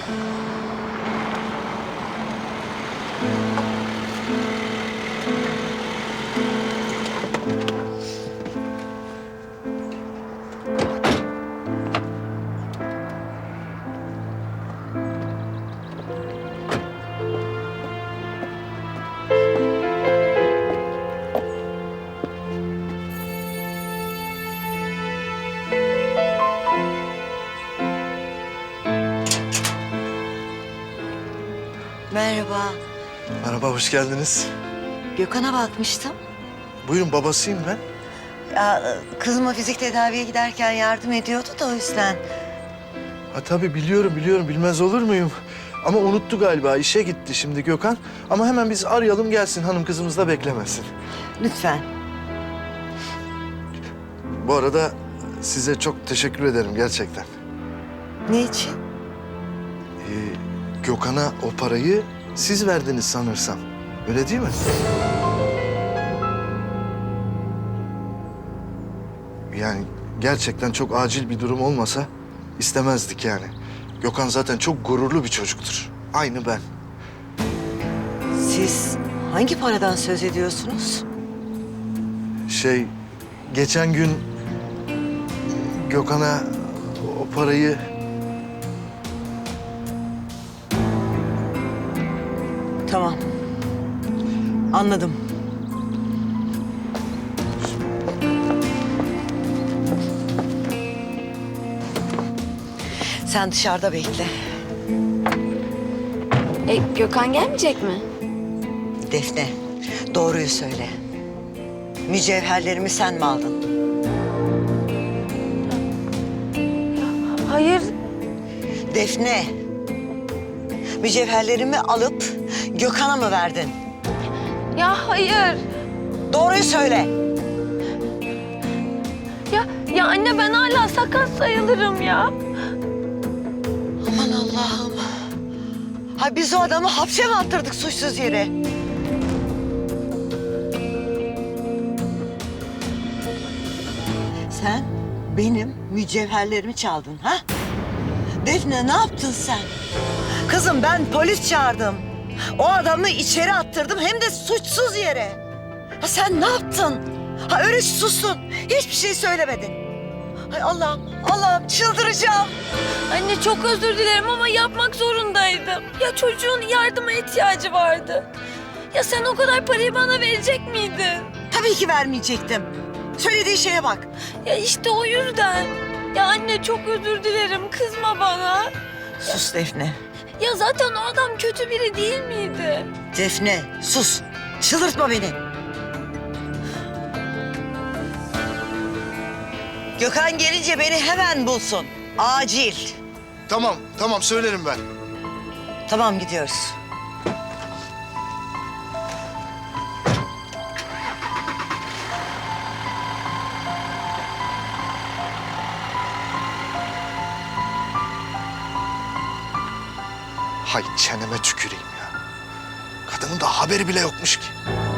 Merhaba. Merhaba, hoş geldiniz. Gökhan'a bakmıştım. Buyurun, babasıyım ben. Ya, kızıma fizik tedaviye giderken yardım ediyordu da o yüzden. Ha tabii biliyorum, bilmez olur muyum? Ama unuttu galiba, işe gitti şimdi Gökhan. Ama hemen biz arayalım gelsin, hanım kızımız da beklemesin. Lütfen. Bu arada size çok teşekkür ederim gerçekten. Ne için? Gökhan'a o parayı siz verdiniz sanırsam. Öyle değil mi? Yani gerçekten çok acil bir durum olmasa istemezdik yani. Gökhan zaten çok gururlu bir çocuktur. Aynı ben. Siz hangi paradan söz ediyorsunuz? Geçen gün Gökhan'a o parayı... Tamam. Anladım. Sen dışarıda bekle. Gökhan gelmeyecek mi? Defne, doğruyu söyle. Mücevherlerimi sen mi aldın? Hayır. Defne, mücevherlerimi alıp Gökhan'a mı verdin? Ya hayır. Doğruyu söyle. Ya anne ben hala sakat sayılırım ya. Aman Allah'ım. Ha biz o adamı hapse mi attırdık suçsuz yere? Sen benim mücevherlerimi çaldın ha? Defne ne yaptın sen? Kızım ben polis çağırdım. O adamı içeri attırdım hem de suçsuz yere. Ha sen ne yaptın? Ha öyle sustun. Hiçbir şey söylemedin. Ay Allah'ım çıldıracağım. Anne çok özür dilerim ama yapmak zorundaydım. Ya çocuğun yardıma ihtiyacı vardı. Ya sen o kadar parayı bana verecek miydin? Tabii ki vermeyecektim. Söylediği şeye bak. Ya işte o yüzden. Ya anne çok özür dilerim, kızma bana. Sus Defne. Ya zaten o adam kötü biri değil miydi? Defne sus. Çıldırtma beni. Gökhan gelince beni hemen bulsun. Acil. Tamam söylerim ben. Tamam gidiyoruz. Hay çeneme tüküreyim ya. Kadının da haberi bile yokmuş ki.